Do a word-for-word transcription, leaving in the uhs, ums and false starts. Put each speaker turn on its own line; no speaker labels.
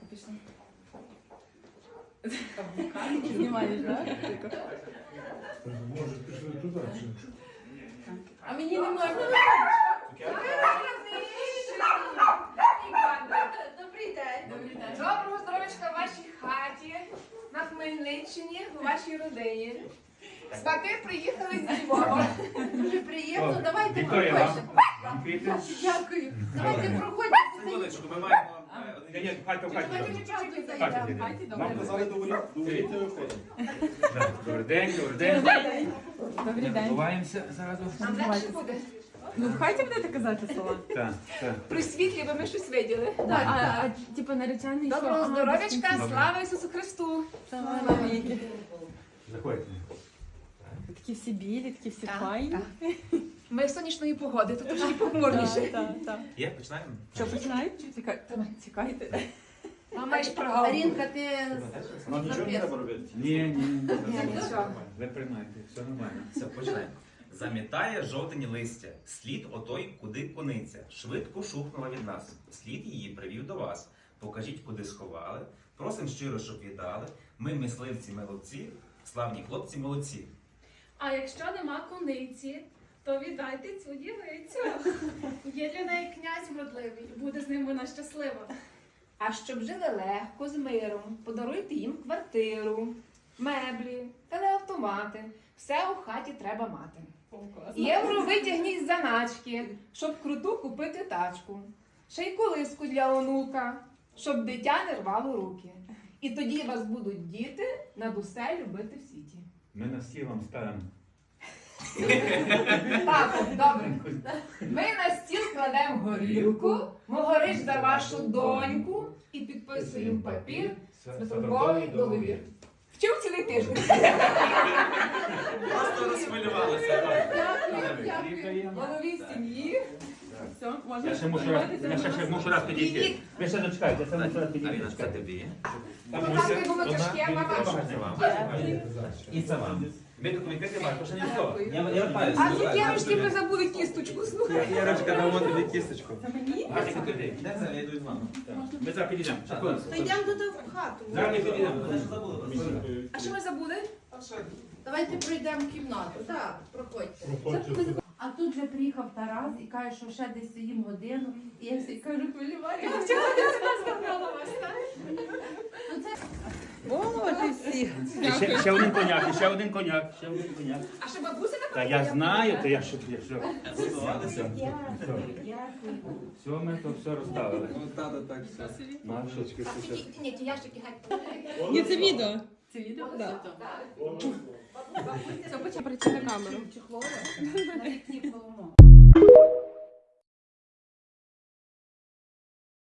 пішли.
Знімаєш, так?
Може, пішли туди чи?
А мені не можна. Добрий день.
Добрий день.
Доброго здоров'ячка в вашій хаті, на Хмельниччині, у вашій родині. Свати приїхали з Львова. Дуже приємно. Давайте
Вікторія,
проходьте.
вам квіти?
Дякую. Давайте проходьте.
Секундочку, ми маємо...
Ні, ні, хай то, хай то.
Давайте чуть-чуть
Хай
зайдемо.
то.
Хай ти
Нам
добре.
казали
договорити, договорити виходимо.
Добрий день, добрий день.
Добрий
Не
день.
забуваємося зразу.
Нам легше буде.
Ну, в хаті будете казати слова?
Так, так.
При світлі ви ми щось виділи.
А, а, а типу наречений що?
Доброго
А,
здоров'ячка,
Добре.
слава Ісусу Христу.
Слава навіки.
Заходьте.
Такі всі білі, такі всі
Так,
файні.
так. Ми сонячної погоди, тут трошки похмурніше.
Так, так, так.
Є, починаємо?
Що, починають? Чи Чекай- Чекайте.
А маєш прогал.
Рінка, ти
Нам нічого не треба робити.
Ні, ні, ні.
Ні, нічого.
Ви приймайте, все нормально.
Все, починаємо. Замітає жовтені листя, слід отой, куди кониця. Швидко шухнула від нас. Слід її привів до вас. Покажіть, куди сховали. Просим щиро, щоб віддали. Ми мисливці молодці, славні хлопці молодці.
А якщо нема куниці, то віддайте цю дівицю. Є для неї князь вродливий, буде з ним вона щаслива.
А щоб жили легко, з миром, подаруйте їм квартиру, меблі, телеавтомати. Все у хаті треба мати. Євро витягніть з заначки, щоб круту купити тачку. Ще й колиску для онука, щоб дитя не рвало руки. І тоді вас будуть діти над усе любити в світі.
Ми на стіл вам ставимо.
Так, добре. Ми на стіл кладемо горілку, могорич за вашу доньку і підписуємо папір з метровий договір. Вчив цілий тиждень.
Просто розхвилювалися.
Дякую, дякую. Голові сім'ї.
Все, можна
Я ще мушу раз, я ще, ще мушу раз підійти. Ви ще дочекайте, я ще мушу раз підійти.
Аріна, це тобі.
Показує володяшки, а мама.
Це вам. І це вам. Ви документи маєте, що не слово. Я я вертаюся.
А цукерочки ви забули кісточку, слухай.
Ярочка, дамо тобі кісточку.
Це мені?
Гарні куди?
Де це? Я йду з вами.
Ми зараз підійдемо. Секунду.
Та йдемо туди в хату.
Зараз ми підійдемо.
А що ми забули?
Давайте пройдемо кімнату. Так, проходьте.
Проходьте туди.
А тут вже приїхав Тарас і каже, що ще десь сім годину. І я всі кажу, хвилювання. О, ти всі.
Ще, ще один коняк, ще один коняк, ще один коняк.
А що бабуся
Та
така?
я знаю, то я що, я що.
Готувалися?
Дякую.
Все, ми то все розставили.
Тата так все.
Машечки,
Так,
все.
ті- Ні, ті ящики геть.
Ні, це відео. Це відео? Так.
Так.
Все, почав прийти на камеру.
Чехлови на вікні палимо.